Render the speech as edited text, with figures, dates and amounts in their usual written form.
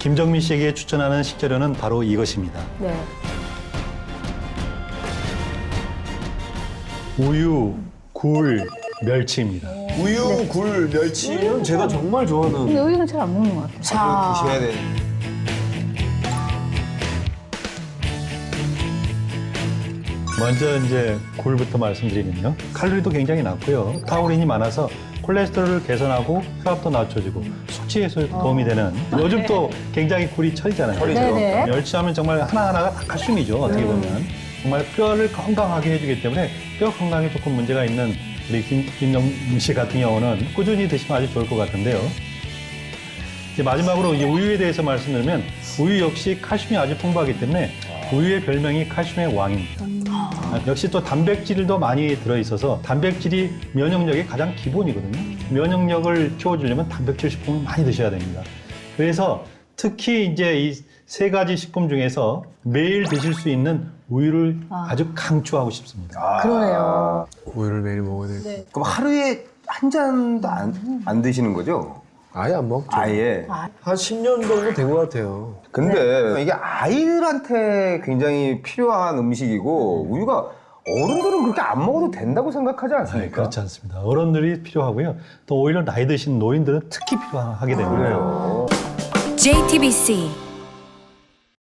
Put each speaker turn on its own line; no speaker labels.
김정민 씨에게 추천하는 식재료는 바로 이것입니다.
네.
우유, 굴, 멸치입니다.
우유, 굴, 멸치는 제가 정말 좋아하는.
근데 우유는 잘 안 먹는 것 같아요.
자,
드셔야 돼.
먼저 이제 굴부터 말씀드리면요. 칼로리도 굉장히 낮고요. 타우린이 많아서 콜레스테롤을 개선하고 혈압도 낮춰주고 숙취 해소에 도움이 되는 요즘 또 굉장히 굴이 철이잖아요.
철이죠.
네네.
멸치하면 정말 하나하나가 다 칼슘이죠. 어떻게 보면. 정말 뼈를 건강하게 해주기 때문에 뼈 건강에 조금 문제가 있는 우리 김정민 씨 같은 경우는 꾸준히 드시면 아주 좋을 것 같은데요. 이제 마지막으로 이제 우유에 대해서 말씀드리면 우유 역시 칼슘이 아주 풍부하기 때문에 우유의 별명이 칼슘의 왕입니다. 역시 또 단백질도 많이 들어있어서 단백질이 면역력의 가장 기본이거든요. 면역력을 키워주려면 단백질 식품을 많이 드셔야 됩니다. 그래서 특히 이제 이 세 가지 식품 중에서 매일 드실 수 있는 우유를 아주 강추하고 싶습니다.
그러네요.
우유를 매일 먹어야 돼.
네.
그럼 하루에 한 잔도 안 드시는 거죠?
아예 안 먹죠.
아예.
한 10년 정도 된 것 같아요.
근데 이게 아이들한테 굉장히 필요한 음식이고 우유가 어른들은 그렇게 안 먹어도 된다고 생각하지
네,
않습니까?
그렇지 않습니다. 어른들이 필요하고요. 또 오히려 나이 드신 노인들은 특히 필요하게 됩니다.
그래요.
JTBC